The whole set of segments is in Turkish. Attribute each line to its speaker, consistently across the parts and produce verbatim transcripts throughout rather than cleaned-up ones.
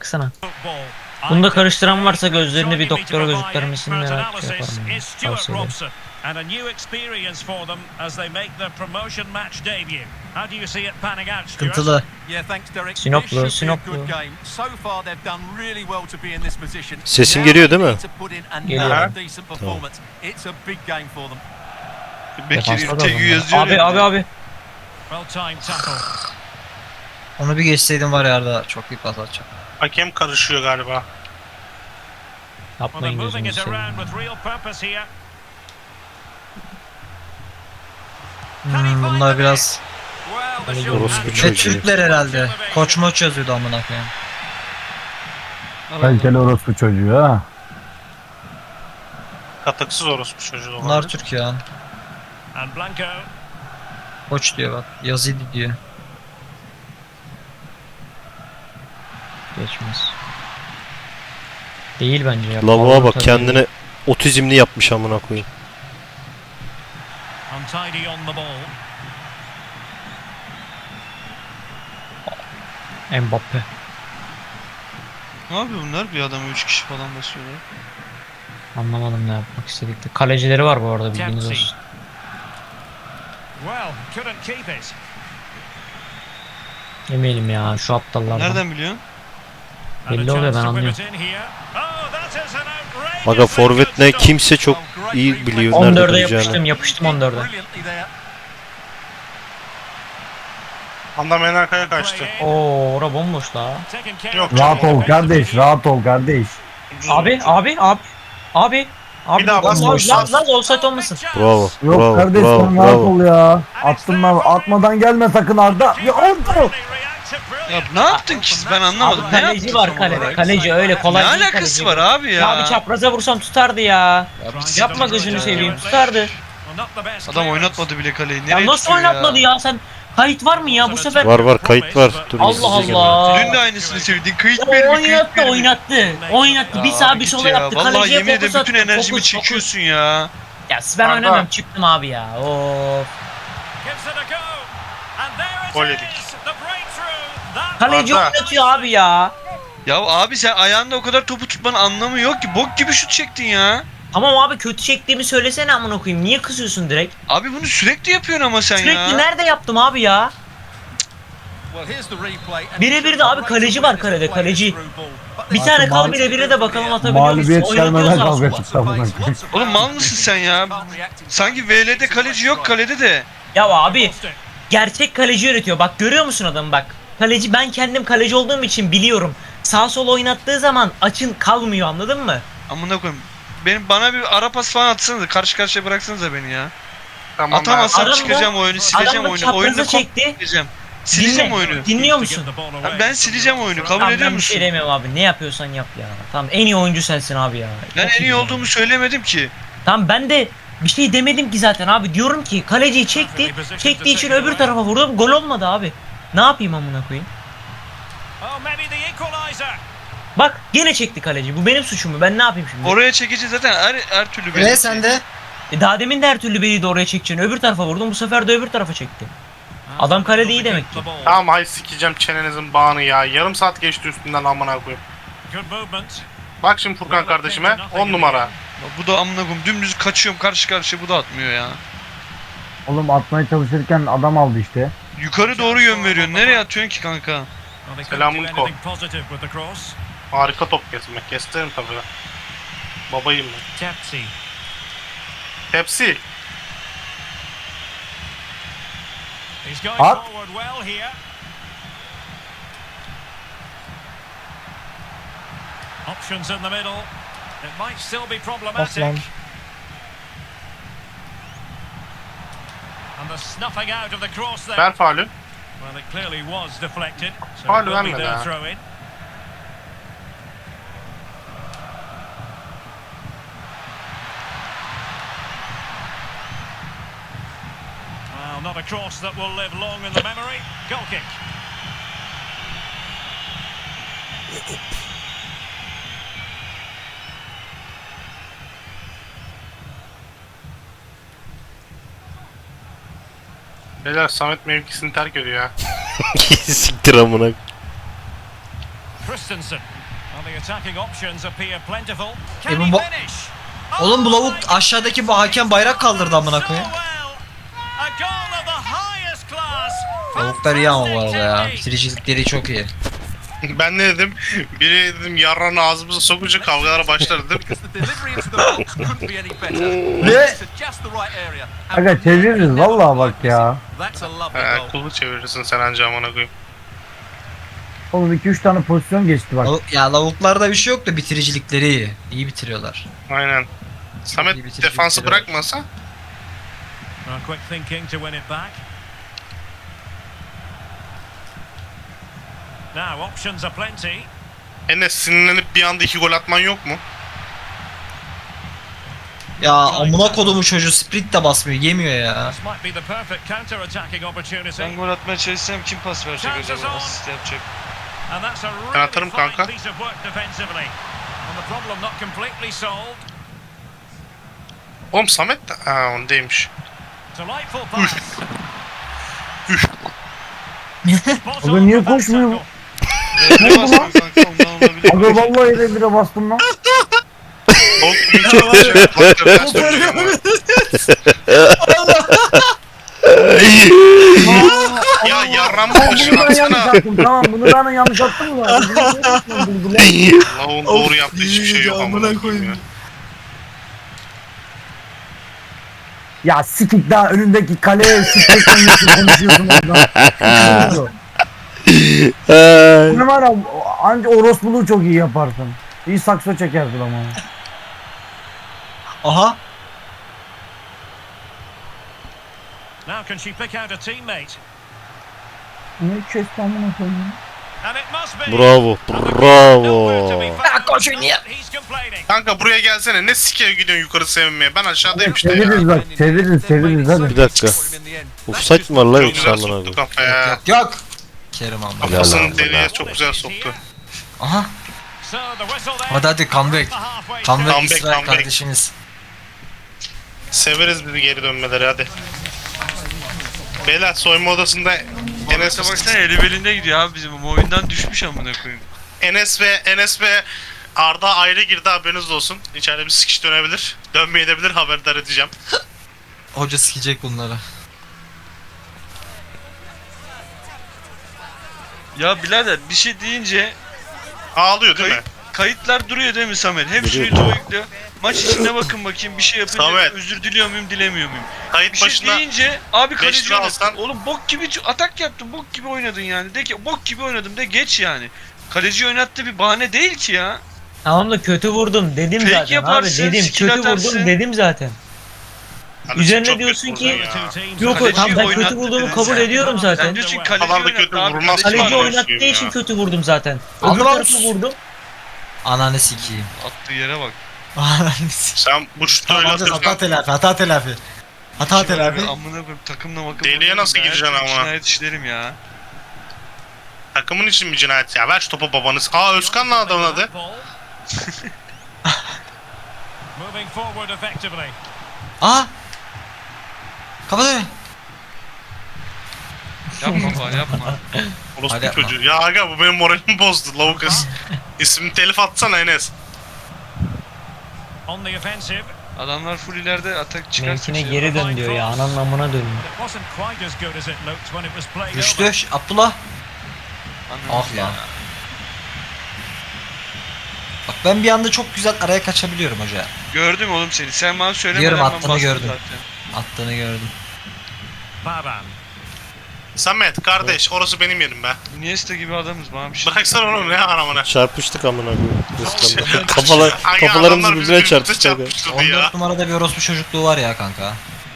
Speaker 1: baksana. Bunu da karıştıran varsa gözlerini bir doktora göstermesini merak yaparım. Yani. Tavsiye ederim.
Speaker 2: And a new experience for them as they make their promotion match debut. How do you see it panning out, Stuart?
Speaker 3: Sıkıntılı.
Speaker 1: Sinoplu, Sinoplu.
Speaker 4: Sesim geliyor değil mi?
Speaker 1: Geliyor.
Speaker 5: Bekir'in T G yazıyor.
Speaker 1: Abi abi abi.
Speaker 2: Well timed tackle.
Speaker 3: Onu bir geçseydim var ya Arda çok iyi pas atacak.
Speaker 5: Hakem karışıyor galiba.
Speaker 2: Well, they're
Speaker 1: Yapmayın
Speaker 2: moving
Speaker 1: gözünü
Speaker 2: it around
Speaker 1: seveyim.
Speaker 2: with real purpose here.
Speaker 3: Hmm, bunlar biraz
Speaker 2: Well, the shot
Speaker 4: Orospu
Speaker 2: has-
Speaker 4: çocuğu.
Speaker 3: ne Türkler herhalde. Koç moç yazıyordu amına koyayım.
Speaker 6: Kaliteli orospu çocuğu ha.
Speaker 5: Katıksız orospu çocuğu da
Speaker 3: Bunlar
Speaker 5: olabilir.
Speaker 3: Türk ya.
Speaker 2: And Blanco.
Speaker 3: Koç diyor bak. Yazidi diyor.
Speaker 1: Geçmez. Değil bence ya.
Speaker 4: Lavuğa
Speaker 1: Power
Speaker 4: bak
Speaker 1: tabii.
Speaker 4: kendine otizmli yapmış amına koyayım.
Speaker 2: Untidy on the ball.
Speaker 1: Mbappe.
Speaker 5: Ne yapıyor bunlar? Bir adamı üç kişi falan basıyorlar.
Speaker 1: Anlamadım ne yapmak istedikleri. Kalecileri var bu arada bilginiz
Speaker 2: Dempsey.
Speaker 1: olsun.
Speaker 2: Well, couldn't keep it.
Speaker 1: Yemeyelim ya şu aptallardan.
Speaker 5: Nereden biliyorsun?
Speaker 2: And a
Speaker 1: Belli oluyor,
Speaker 2: chance
Speaker 1: ben
Speaker 2: to whip
Speaker 1: anlıyorum.
Speaker 2: it in here. Oh, that is an outrageously
Speaker 4: Aga forvet ne
Speaker 2: good stop.
Speaker 4: kimse çok iyi biliyor nerede
Speaker 1: on dörde
Speaker 4: duracağını.
Speaker 1: yapıştım yapıştım on dörde.
Speaker 5: Anda Menaka'ya kaçtı.
Speaker 1: Oo ora bomboş la.
Speaker 2: Taken care
Speaker 5: Yok
Speaker 2: of.
Speaker 6: Rahat ol kardeş, rahat ol kardeş.
Speaker 5: Ucuz
Speaker 1: Abi
Speaker 5: oldu.
Speaker 1: abi abi. Abi. Abi
Speaker 5: Bir daha bas,
Speaker 1: Laz
Speaker 5: bas.
Speaker 1: Laz Laz offside olmasın.
Speaker 4: Bravo.
Speaker 6: Yok
Speaker 4: bravo,
Speaker 6: kardeş
Speaker 4: bravo,
Speaker 6: sen rahat
Speaker 4: bravo.
Speaker 6: ol ya. Attım ben, atmadan gelme sakın Arda. Ya oldu.
Speaker 5: Ya ne yaptın ki siz? Ben anlamadım.
Speaker 1: Abi
Speaker 5: Ne
Speaker 1: kaleci
Speaker 5: yaptın
Speaker 1: var
Speaker 5: tam
Speaker 1: kalede.
Speaker 5: olarak?
Speaker 1: Kaleci öyle
Speaker 5: Ne
Speaker 1: kolay değil
Speaker 5: alakası
Speaker 1: kaleci.
Speaker 5: var abi ya?
Speaker 1: Ya bir çapraza vursam tutardı ya.
Speaker 5: biz-
Speaker 1: Yapma gözünü seveyim tutardı.
Speaker 5: Adam oynatmadı bile kaleyi. Nereye
Speaker 1: Ya nasıl
Speaker 5: tutuyor
Speaker 1: oynatmadı ya sen? Kayıt var mı ya bu sefer?
Speaker 4: Var var kayıt var. Dur
Speaker 1: Allah
Speaker 4: izleyeceğim.
Speaker 1: Allah.
Speaker 5: Dün de aynısını söyledin. Kayıt
Speaker 1: O
Speaker 5: bir mi? Kayıt
Speaker 1: oynattı
Speaker 5: bir mi?
Speaker 1: oynattı. Oynattı. Bir
Speaker 5: Ya
Speaker 1: sağ
Speaker 5: abi
Speaker 1: bir
Speaker 5: git
Speaker 1: sola
Speaker 5: ya.
Speaker 1: yaptı.
Speaker 5: Vallahi
Speaker 1: Kaleciye
Speaker 5: yemin ederim
Speaker 1: fokus
Speaker 5: bütün
Speaker 1: attı.
Speaker 5: enerjimi
Speaker 1: Fokus, fokus.
Speaker 5: çekiyorsun ya.
Speaker 1: Ya ben
Speaker 5: Arda.
Speaker 1: oynamıyorum çıktım abi ya. Of.
Speaker 5: Gol yedik.
Speaker 1: Kaleci
Speaker 5: Arda.
Speaker 1: oynatıyor abi ya.
Speaker 5: Ya abi sen ayağında o kadar topu tutmanın anlamı yok ki. Bok gibi şut çektin ya.
Speaker 1: Tamam abi kötü çektiğimi söylesene amına koyayım. Niye kızıyorsun direkt?
Speaker 5: Abi bunu sürekli yapıyorsun ama sen
Speaker 1: Sürekli
Speaker 5: ya.
Speaker 1: nerede yaptım abi ya? Birebir de abi kaleci var kalede, kaleci. Bir tane
Speaker 6: Artık
Speaker 1: kal
Speaker 6: mal-
Speaker 1: birebire de bakalım atabiliyor musun?
Speaker 6: Mağlubiyet gelmeden
Speaker 1: Oynatıyorsa
Speaker 6: kavga
Speaker 1: aslında.
Speaker 6: çıktı amına koyayım.
Speaker 5: Oğlum mal mısın sen ya? Sanki V L'de kaleci yok kalede de.
Speaker 1: Ya abi gerçek kaleci yönetiyor. Bak görüyor musun adamı bak. Kaleci ben kendim kaleci olduğum için biliyorum. Sağ sol oynattığı zaman açın kalmıyor anladın mı?
Speaker 5: Amına koyayım. Benim bana bir ara pas falan atsanıza. Karşı karşıya bıraksanıza beni ya. Tamam, Atamazsam
Speaker 1: Adam da-
Speaker 5: çıkacağım oyunu, sileceğim
Speaker 1: Adam da
Speaker 5: oyunu.
Speaker 1: çapraza
Speaker 5: Oyunu
Speaker 1: çekti.
Speaker 5: sileceğim. Sileceğim
Speaker 1: Dinle,
Speaker 5: oyunu.
Speaker 1: dinliyor musun?
Speaker 5: Abi ben sileceğim oyunu. Kabul
Speaker 1: Tamam
Speaker 5: ediyor
Speaker 1: ben bir
Speaker 5: musun?
Speaker 1: şey demiyorum abi. Ne yapıyorsan yap ya. Tamam en iyi oyuncu sensin abi ya.
Speaker 5: Ben
Speaker 1: Çok
Speaker 5: en iyi
Speaker 1: ya.
Speaker 5: olduğumu söylemedim ki.
Speaker 1: Tamam ben de bir şey demedim ki zaten abi. Diyorum ki kaleciyi çekti. Çektiği için öbür tarafa vurdum. Gol olmadı abi. Ne yapayım amına koyayım? Bak gene çekti kaleci. Bu benim suçum mu? Ben ne yapayım şimdi?
Speaker 5: Oraya çekici zaten her, her türlü
Speaker 3: Ve
Speaker 5: belli.
Speaker 3: sen de
Speaker 1: E daha demin de her türlü beni de oraya çekeceğini öbür tarafa vurdum. Bu sefer de öbür tarafa çekti. Adam kale değil demek ki.
Speaker 5: Tamam hay sikeceğim çenenizin bağını ya. Yarım saat geçti üstünden amına koyayım. Bak şimdi Furkan kardeşime on numara.
Speaker 7: Bu da amına koyayım dümdüz kaçıyorum karşı karşıya, bu da atmıyor ya.
Speaker 6: Oğlum atmaya çalışırken adam aldı işte.
Speaker 7: Yukarı doğru yön veriyorsun. Nereye atıyorsun ki kanka?
Speaker 5: Selamünaleyküm. Harika top kesmek. Kestirim tabii. Babayım ben. Tepsi.
Speaker 6: At.
Speaker 2: Options in the middle. It might still be
Speaker 1: Of
Speaker 2: problematic.
Speaker 1: lan.
Speaker 2: And the snuffing out of the cross there.
Speaker 5: Ver faulü.
Speaker 2: Well, it clearly was deflected. So
Speaker 5: Faul
Speaker 2: it will be
Speaker 5: vermedi
Speaker 2: their
Speaker 5: ha.
Speaker 2: throw in. Well, not a cross that will live long in the memory. Goal kick.
Speaker 5: Beyler Samet mevkisini terk ediyor ya.
Speaker 4: Siktir amına.
Speaker 2: Chris Christensen. Well, the attacking options appear plentiful.
Speaker 3: E
Speaker 2: Can
Speaker 3: bu
Speaker 2: he
Speaker 3: bu-
Speaker 2: finish?
Speaker 3: Oğlum bu lavuk
Speaker 2: my
Speaker 3: aşağıdaki bu hakem bayrak kaldırdı amına
Speaker 2: So
Speaker 3: koyayım.
Speaker 2: well. A goal of the highest class.
Speaker 3: Lavuklar iyi ama bu arada ya.
Speaker 2: Fantastic
Speaker 3: Bitiricilikleri çok iyi.
Speaker 5: Ben ne dedim? Biri dedim yarranı ağzımıza sokunca kavgalara başlar dedim.
Speaker 6: Ve aga çeviririz vallahi bak ya.
Speaker 5: He, kulu çevirirsin sen anca amına koyayım.
Speaker 6: Oğlum iki üç tane pozisyon geçti bak.
Speaker 3: Lavuk- Ya lavuklarda bir şey yok da bitiricilikleri iyi. İyi bitiriyorlar.
Speaker 5: Aynen.
Speaker 3: iyi
Speaker 5: Samet
Speaker 3: bitirici
Speaker 5: defansı
Speaker 3: bitiriyor.
Speaker 5: bırakmasa
Speaker 2: Well, quick thinking to win it back. Now options are plenty.
Speaker 5: Enes sinirlenip bir anda iki gol atman yok mu?
Speaker 3: Ya amına kodumu çocuğu sprint de basmıyor, yemiyor ya.
Speaker 2: This might be the perfect counter-attacking opportunity.
Speaker 7: Ben gol atmaya çalışsam kim pas verecek acaba? Asist yapacak.
Speaker 2: And that's a
Speaker 5: Ben
Speaker 2: really
Speaker 5: atarım
Speaker 2: fine
Speaker 5: kanka.
Speaker 2: piece of work defensively. And the problem not completely solved.
Speaker 5: Oğlum Samet de... Ha onu değilmiş.
Speaker 2: Delightful pass. Spot
Speaker 6: Aga
Speaker 2: on
Speaker 6: niye
Speaker 2: for that
Speaker 6: koşmuyor bu?
Speaker 2: tackle.
Speaker 7: Ne basmıyor kanka ondan olabilir.
Speaker 6: Aga vallahi de bire bastım lan.
Speaker 5: Oğlum bugün çok şey bak ters dönüyor ama. Ya yarram
Speaker 6: Aa,
Speaker 5: başı
Speaker 6: bunu ben yanlış
Speaker 5: atsana.
Speaker 6: attım tamam bunu ben yanlış attım mı?
Speaker 5: Lavun doğru yaptığı hiçbir şey yok amına koyayım ya.
Speaker 6: Ya sikik daha önündeki kaleye sikik konuşuyorsun konuşuyorsun oradan. Ne var ya anca orospuluğu çok iyi yaparsın. İyi sakso çekersin ama.
Speaker 3: Aha.
Speaker 2: Now can she pick out a teammate?
Speaker 6: Ne kesti amına koyayım.
Speaker 2: And it must be.
Speaker 4: Bravo.
Speaker 2: Nowhere to be
Speaker 4: Bravo.
Speaker 2: found.
Speaker 3: koşun ya.
Speaker 2: He's complaining.
Speaker 5: Kanka buraya gelsene ne sikeye gidiyorsun yukarı sevinmeye ben aşağıdayım işte ya.
Speaker 6: Çeviririz bak çeviririz çeviririz hadi.
Speaker 4: Bir dakika. Offside mi var lan
Speaker 5: Çok
Speaker 4: yoksa
Speaker 5: güzel
Speaker 4: amına
Speaker 5: soktu
Speaker 4: koyayım?
Speaker 5: kafaya.
Speaker 3: Yok yok. Kerim amına.
Speaker 4: Helal
Speaker 5: Kafasını
Speaker 4: olsun
Speaker 5: deliğe
Speaker 4: lan.
Speaker 5: çok güzel soktu.
Speaker 3: Aha.
Speaker 2: So the whistle there.
Speaker 3: Hadi hadi comeback.
Speaker 2: The halfway
Speaker 3: Comeback
Speaker 5: Comeback,
Speaker 3: İsrail
Speaker 5: comeback.
Speaker 3: kardeşimiz.
Speaker 5: Severiz bizi geri dönmeleri hadi. Beyler soyunma odasında Enes,
Speaker 7: Enes'e baksana eli belinde gidiyor abi bizim bu oyundan düşmüş amına koyayım.
Speaker 5: Enes ve Enes ve Arda ayrı girdi haberiniz olsun. İçeride bir sikiş dönebilir. Dönmeyebilir haberdar edeceğim.
Speaker 3: Hoca sikecek bunları.
Speaker 7: Ya birader bir şey deyince
Speaker 5: Ağlıyor değil mi?
Speaker 7: kayıt, kayıtlar duruyor değil mi Samet? Hep
Speaker 4: Duruyor.
Speaker 7: şuydu yüklüyor. Maç içinde bakın bakayım bir şey yapınca
Speaker 5: Samet.
Speaker 7: özür diliyor muyum dilemiyor muyum?
Speaker 5: Kayıt
Speaker 7: Bir şey
Speaker 5: başına
Speaker 7: deyince abi
Speaker 5: beş
Speaker 7: kaleci
Speaker 5: lira
Speaker 7: oynattın.
Speaker 5: alsan-
Speaker 7: Oğlum bok gibi ç- atak yaptın bok gibi oynadın yani. De ki bok gibi oynadım de geç yani. Kaleci oynattı bir bahane değil ki ya.
Speaker 1: Tamam da kötü vurdum dedim
Speaker 7: Fake
Speaker 1: zaten
Speaker 7: yaparsın,
Speaker 1: abi dedim
Speaker 7: skill
Speaker 1: kötü
Speaker 7: atarsın.
Speaker 1: vurdum dedim zaten.
Speaker 5: Hani
Speaker 1: Üzerine
Speaker 5: çok
Speaker 1: diyorsun
Speaker 5: kötü
Speaker 1: ki-
Speaker 5: vurdun ya.
Speaker 2: Two teams.
Speaker 1: Yok
Speaker 7: Kaleci
Speaker 1: tamam ben
Speaker 7: oynattı
Speaker 1: kötü vurduğumu
Speaker 7: dedin
Speaker 1: kabul
Speaker 7: sen.
Speaker 1: ediyorum
Speaker 7: Sen
Speaker 1: zaten.
Speaker 7: diyorsun
Speaker 5: Falan
Speaker 7: kaleci
Speaker 5: da
Speaker 7: oynattı
Speaker 5: kötü
Speaker 7: abi.
Speaker 5: vurmaz.
Speaker 7: Kaleci
Speaker 1: Kaleci
Speaker 5: Var,
Speaker 7: oynattı.
Speaker 1: oynattığı
Speaker 5: ya.
Speaker 1: için kötü vurdum zaten.
Speaker 3: Aldı
Speaker 1: Öbür
Speaker 3: lan.
Speaker 1: tarafı vurdum.
Speaker 3: Ananı sikeyim.
Speaker 7: Attığı yere bak.
Speaker 3: Ananı sikeyim.
Speaker 5: Sen bu şutu öyle
Speaker 3: Tamam hata
Speaker 5: atırsan
Speaker 3: telafi hata telafi. Hata
Speaker 7: Şimdi
Speaker 3: telafi.
Speaker 7: abi Amına koyayım takımla makım.
Speaker 5: Deliye nasıl gireceksin ama?
Speaker 7: Cinayet işlerim ya.
Speaker 5: takımın için bir cinayet ya. Ver şu topu babanız. Aa Özkan lan adamın adı.
Speaker 2: Moving forward effectively.
Speaker 3: Aa. Kapat öyle.
Speaker 7: Yapma falan yapma.
Speaker 5: Orospu
Speaker 3: Hadi yapma.
Speaker 5: çocuğu. Ya aga bu benim moralimi bozdu Lavukas. İsmini telif atsana Enes.
Speaker 2: On the offensive.
Speaker 7: Adamlar full ileride atak çıkarsa
Speaker 1: Mevkine
Speaker 7: şey
Speaker 1: geri
Speaker 7: yapar.
Speaker 1: dön diyor ya ananın amına dönüyor.
Speaker 2: It wasn't quite as good as it looked when it was played
Speaker 3: Düştü.
Speaker 2: over.
Speaker 3: Ş- Abdullah.
Speaker 7: Anladın
Speaker 3: Ah
Speaker 7: ya.
Speaker 3: lan. Bak ben bir anda çok güzel araya kaçabiliyorum hoca.
Speaker 7: Gördüm oğlum seni. Sen bana söylemeden
Speaker 3: Biliyorum,
Speaker 7: ben
Speaker 3: attığını
Speaker 7: bastım
Speaker 3: gördüm.
Speaker 7: zaten.
Speaker 3: Attığını gördüm.
Speaker 2: Baban.
Speaker 5: Samet kardeş orası benim yerim be.
Speaker 7: Iniesta gibi adamız bana bir şey.
Speaker 5: Bıraksana onu ne aramana.
Speaker 4: Çarpıştık amına koyayım. Özkan'la. Kafalar,
Speaker 5: Aga,
Speaker 4: kafalarımız
Speaker 5: adamlar bizi
Speaker 4: birbirine
Speaker 5: birbirimize
Speaker 4: çarpıştı. aga.
Speaker 5: çarpıştırdı
Speaker 3: on
Speaker 5: ya.
Speaker 3: dört numarada bir orospu çocukluğu var ya kanka.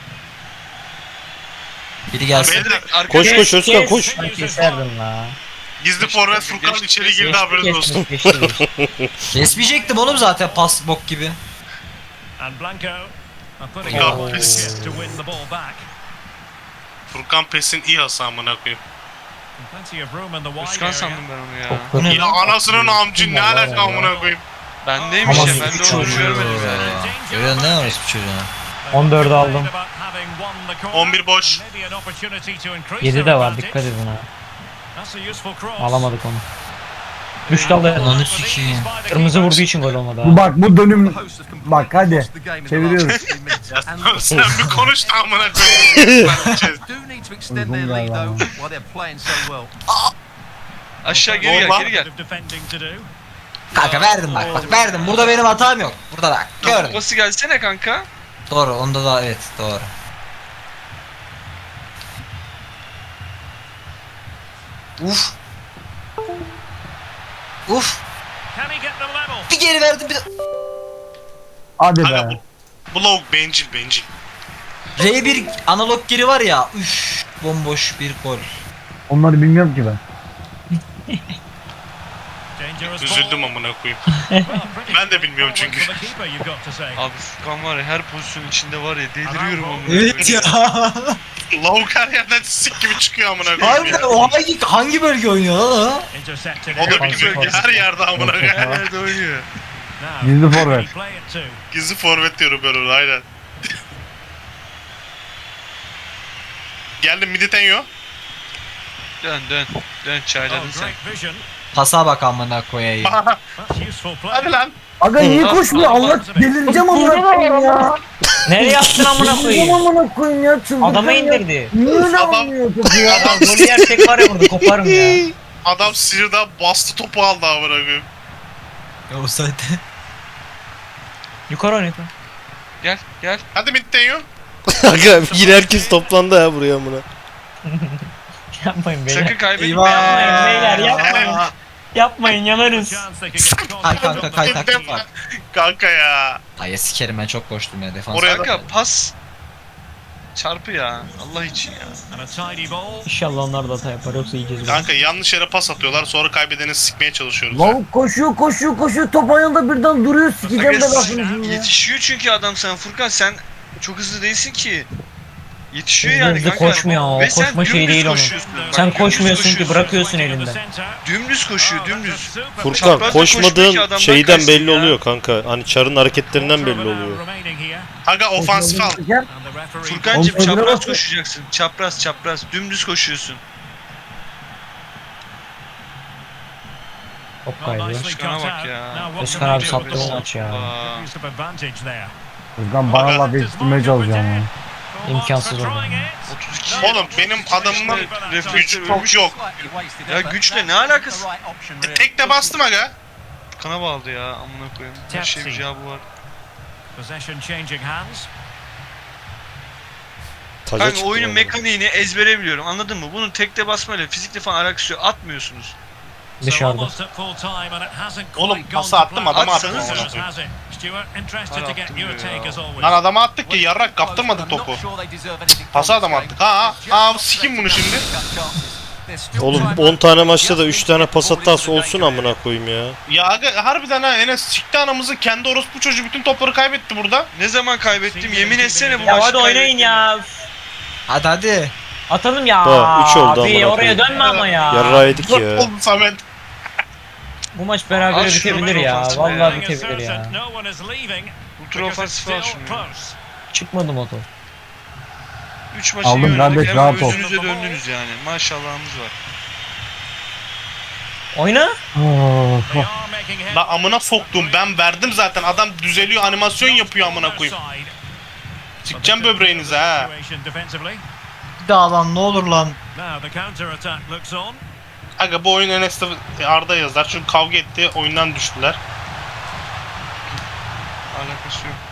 Speaker 3: Biri gelsin.
Speaker 5: Beyler,
Speaker 4: Koş koş Özkan koş.
Speaker 1: Ay keserdim la.
Speaker 5: gizli forvet Furkan
Speaker 7: Geçti,
Speaker 5: içeri
Speaker 7: geçti,
Speaker 5: girdi haberiniz olsun.
Speaker 1: Geçti, geçti, geçti.
Speaker 3: Kesmeyecektim oğlum zaten pas bok gibi.
Speaker 2: And Blanco are putting
Speaker 5: Ya,
Speaker 2: up all
Speaker 5: pes.
Speaker 2: his to win the ball back.
Speaker 5: Furkan Pes'in iyi hası amına koyayım.
Speaker 2: Plenty of room in the wide
Speaker 7: Özkan
Speaker 2: area.
Speaker 7: sandım ben onu ya.
Speaker 1: Çok
Speaker 3: Bu ne
Speaker 5: Ya
Speaker 3: lan?
Speaker 5: anasının amcı ne alaka amına koyayım.
Speaker 7: Bendeymiş
Speaker 3: Ama
Speaker 7: ya ben de
Speaker 3: suç
Speaker 7: onu
Speaker 3: oluyor
Speaker 7: görmedim yani.
Speaker 3: ya. Görüyorsun ne orospu çocuğuna?
Speaker 1: on dördü aldım.
Speaker 5: on bir boş.
Speaker 1: yedi de var dikkat edin ha.
Speaker 2: That's a useful cross.
Speaker 1: Alamadık onu. Üç dalda
Speaker 3: Ananı sikeyim.
Speaker 1: kırmızı vurduğu için gol olmadı
Speaker 6: Bu
Speaker 1: ha.
Speaker 6: bak bu dönüm. Bak hadi. Çeviriyoruz.
Speaker 5: Sen bir konuş da amına koyayım.
Speaker 6: Uygun galiba.
Speaker 7: Aşağı geri gel,
Speaker 5: Normal.
Speaker 7: geri gel.
Speaker 3: Kanka verdim bak bak verdim. Burada benim hatam yok. Burada bak. Gördüm.
Speaker 7: Pası gelsene kanka.
Speaker 3: Doğru onda da evet doğru. Uf. Uf. Bir geri verdim bir de.
Speaker 6: Hadi
Speaker 5: Kanka
Speaker 6: be.
Speaker 5: bu, bu lavuk bencil bencil.
Speaker 3: R bir analog geri var ya. Üf. Bomboş bir gol.
Speaker 6: Onları bilmiyorum ki ben.
Speaker 5: Üzüldüm amına koyayım. Ben de bilmiyorum çünkü.
Speaker 7: Abi Furkan var ya her pozisyon içinde var ya deliriyorum onu.
Speaker 3: Evet ya.
Speaker 5: Lavuk her yerden sik gibi çıkıyor amına koyayım.
Speaker 3: Harbiden
Speaker 5: ya.
Speaker 3: o hangi, hangi bölge oynuyor lan o?
Speaker 5: O da biliyor ki her yerde amına koyayım.
Speaker 7: Her yerde oynuyor.
Speaker 6: Gizli forvet.
Speaker 5: Gizli forvet diyorum ben ona aynen. Geldim Miditenyo.
Speaker 7: Dön dön. Dön çayladın sen.
Speaker 3: Pasa bak amına koyayım.
Speaker 5: Hadi lan.
Speaker 6: Aga niye koşmuyor? Allah delireceğim amına koyayım ya.
Speaker 1: Nereye attın amına
Speaker 6: Delireceğim
Speaker 1: koyayım?
Speaker 6: amına koyayım ya. Çıldıracağım
Speaker 1: Adamı
Speaker 6: ya.
Speaker 1: indirdi.
Speaker 6: Niye öyle
Speaker 5: Adam-
Speaker 6: almıyor topu ya?
Speaker 1: Adam golü yersek var ya burada koparım ya.
Speaker 5: Adam sinirden bastı topu aldı amına koyayım.
Speaker 3: Ya o zaten.
Speaker 1: Yukarı oynatın.
Speaker 7: Gel gel.
Speaker 5: Hadi Miditenyo.
Speaker 4: Aga yine herkes toplandı ha buraya amına.
Speaker 1: Yapmayın beyler.
Speaker 7: Sakın kaybetme.
Speaker 1: Yapmayın beyler yapmayın. Yapmayın yanarız.
Speaker 3: Kay kanka kay taktik bak.
Speaker 5: Kanka ya.
Speaker 3: Ay sikerim ben çok koştum ya defans.
Speaker 5: Oraya da-
Speaker 7: Kanka pas. Çarpı ya. Allah için ya.
Speaker 1: İnşallah onlar da hata yapar yoksa yiyeceğiz. bunu.
Speaker 5: Kanka yanlış yere pas atıyorlar sonra kaybedeni sikmeye çalışıyoruz.
Speaker 6: Lavuk koşuyor koşuyor koşuyor top ayağında birden duruyor sikeceğim de
Speaker 7: Aga,
Speaker 6: lafını şimdi ya.
Speaker 7: yetişiyor çünkü adam sen Furkan sen çok hızlı değilsin ki. Yetişiyor
Speaker 1: Hızlı
Speaker 7: yani
Speaker 1: hızlı
Speaker 7: kanka.
Speaker 1: koşmuyor o,
Speaker 7: Ve sen
Speaker 1: koşma şeyi
Speaker 7: dümdüz
Speaker 1: değil onun.
Speaker 7: koşuyorsun. Bak,
Speaker 1: Sen
Speaker 7: dümdüz
Speaker 1: koşmuyorsun ki
Speaker 7: koşuyorsun.
Speaker 1: bırakıyorsun elinden.
Speaker 7: Dümdüz koşuyor dümdüz.
Speaker 4: Furkan
Speaker 7: Çaprazda koşmuyor ki
Speaker 4: koşmadığın
Speaker 7: adamdan
Speaker 4: şeyden
Speaker 7: kaçsın
Speaker 4: belli
Speaker 7: ya.
Speaker 4: oluyor kanka. Hani Çar'ın hareketlerinden belli oluyor.
Speaker 5: Aga ofansif al.
Speaker 6: Gel.
Speaker 7: Furkancığım
Speaker 6: Oğlum,
Speaker 7: çapraz
Speaker 6: nasıl-
Speaker 7: koşacaksın. Çapraz çapraz. Dümdüz koşuyorsun.
Speaker 1: Top kaybı.
Speaker 7: Özkan'a bak ya.
Speaker 1: Özkan abi sattı bu maç ya.
Speaker 7: Aa,
Speaker 6: Furkan bana laf yetiştirmeye çalışacağım ya.
Speaker 1: İmkansız oldu.
Speaker 7: otuz iki.
Speaker 5: Oğlum benim adamımın
Speaker 7: refleksi
Speaker 5: gücü çok yok.
Speaker 7: Ya güçle ne alakası?
Speaker 5: E, tek de bastım aga.
Speaker 7: Kana bağladı ya amına koyayım. Her şey bir cevabı var.
Speaker 4: Taca
Speaker 7: Kanka
Speaker 4: çıktı
Speaker 7: oyunun
Speaker 4: vallahi.
Speaker 7: mekaniğini ezbere biliyorum anladın mı? Bunun tekte basmayla fizikle falan alakası yok. Atmıyorsunuz.
Speaker 1: Dışarıda.
Speaker 5: Oğlum pası attım adama attım.
Speaker 7: Atsanız.
Speaker 5: amına koyayım.
Speaker 7: Hala attım ya.
Speaker 5: Lan adama attık ki yarrak kaptırmadık topu. Pası adama attık. Ha ha sikim bunu şimdi.
Speaker 4: Oğlum on tane maçta da üç tane pas hatası olsun amına koyayım ya.
Speaker 5: Ya aga harbiden ha Enes sikti anamızı kendi orospu çocuğu bütün topları kaybetti burada.
Speaker 7: Ne zaman kaybettim? Yemin etsene bu
Speaker 1: Ya
Speaker 7: maçı
Speaker 1: hadi oynayın
Speaker 7: kaybettim.
Speaker 1: ya.
Speaker 3: Hadi hadi.
Speaker 1: Atalım ya.
Speaker 4: Ha, üç oldu
Speaker 1: Abi
Speaker 4: amına
Speaker 1: oraya
Speaker 4: koyayım.
Speaker 1: dönme ama ya.
Speaker 4: Yarrağı yedik
Speaker 5: Dört
Speaker 4: ya.
Speaker 5: oldu Samet.
Speaker 1: Bu maç beraber
Speaker 7: Al şunu,
Speaker 1: bitebilir
Speaker 7: ben
Speaker 1: ya.
Speaker 7: ofansif
Speaker 1: Vallahi
Speaker 7: ya.
Speaker 1: bitebilir ya.
Speaker 7: Ultra ofansif al şunu. ya.
Speaker 1: Çıkmadı motor.
Speaker 7: üç maçı
Speaker 6: Aldım
Speaker 7: iyi oynadık.
Speaker 6: kardeş,
Speaker 7: Hemen
Speaker 6: rahat ol.
Speaker 7: özünüze döndünüz yani. Maşallahımız var.
Speaker 1: Oyna.
Speaker 6: Of, of.
Speaker 5: La amına soktum ben verdim zaten adam düzeliyor animasyon yapıyor amına koyayım. Sikeceğim böbreğinize ha.
Speaker 3: Bir daha lan ne olur lan.
Speaker 5: Aga bu oyun Enes'te Arda yazar çünkü kavga etti oyundan düştüler.
Speaker 7: Alakası yok.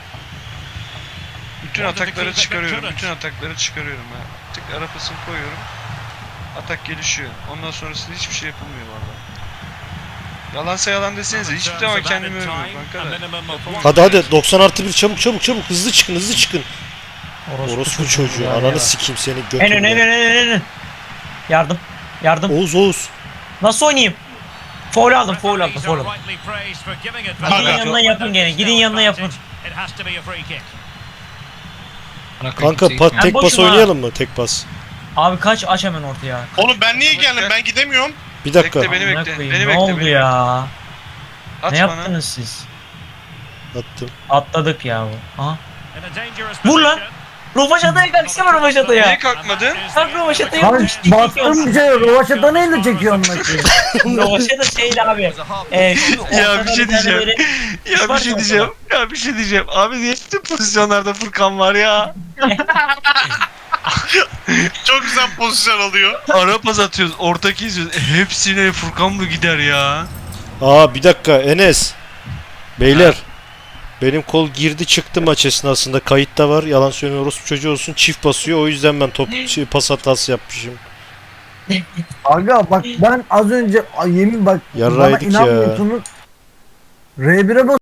Speaker 7: Bütün atakları çıkarıyorum. Bütün atakları çıkarıyorum ha. Tık ara pasını koyuyorum. Atak gelişiyor. Ondan sonrasında hiçbir şey yapılmıyor valla. Yalansa yalan desenize. Hiçbir zaman kendimi övmüyorum kanka da.
Speaker 4: Hadi hadi doksan artı bir çabuk çabuk çabuk hızlı çıkın hızlı çıkın. Orospu çocuğu
Speaker 1: ya.
Speaker 4: ananı sikeyim seni
Speaker 1: En ön en ön
Speaker 4: götürme.
Speaker 1: en ön. Yardım. Yardım.
Speaker 4: Oğuz Oğuz.
Speaker 1: Nasıl oynayayım? Foul aldım, foul aldım, foul aldım. Gidin
Speaker 5: Aga.
Speaker 1: yanına yapın gene. Gidin yanına yapın.
Speaker 4: Kanka pa-
Speaker 1: Ben
Speaker 4: tek pas
Speaker 1: boşum ha.
Speaker 4: oynayalım mı? Tek pas.
Speaker 1: Abi kaç aç hemen ortaya.
Speaker 5: Oğlum ben niye geldim ben gidemiyorum.
Speaker 4: Bir dakika.
Speaker 7: Bekle, beni
Speaker 1: Amına
Speaker 7: bekle,
Speaker 1: koyayım,
Speaker 7: beni
Speaker 1: ne
Speaker 7: bekle,
Speaker 1: oldu
Speaker 7: beni
Speaker 1: ya?
Speaker 7: At
Speaker 1: ne
Speaker 7: bana.
Speaker 1: yaptınız siz?
Speaker 4: Attım.
Speaker 1: Atladık ya bu. Aha. Vur lan. Rovaşata'ya kalksana Rovaşata'ya.
Speaker 7: Niye kalkmadın?
Speaker 1: Kalk Rovaşata'ya
Speaker 6: Lan
Speaker 1: yapmış.
Speaker 6: bastım bir şey Rovaşata neyle çekiyor maçı?
Speaker 1: Rovaşata şeydi abi. Ee, şu
Speaker 7: Ya bir şey
Speaker 1: ortada tane
Speaker 7: diyeceğim.
Speaker 1: böyle-
Speaker 7: Ya bir
Speaker 1: Var
Speaker 7: şey
Speaker 1: ya
Speaker 7: diyeceğim. Ya bir şey diyeceğim. Abi niye bütün pozisyonlarda Furkan var ya?
Speaker 5: Çok güzel pozisyon alıyor.
Speaker 7: Ara pas atıyoruz. Ortaki izliyoruz. Hepsine Furkan mı gider ya?
Speaker 4: Aa bir dakika Enes. Beyler. Benim kol girdi çıktı maç esnasında. Kayıtta var. Yalan söylüyor. Orospu çocuğu olsun. Çift basıyor. O yüzden ben top şey, pas hatası yapmışım.
Speaker 6: Aga bak ben az önce ay, yemin bak
Speaker 4: Yarrağı
Speaker 6: bana
Speaker 4: yedik ya.
Speaker 6: inanmıyorsunuz. R bire bas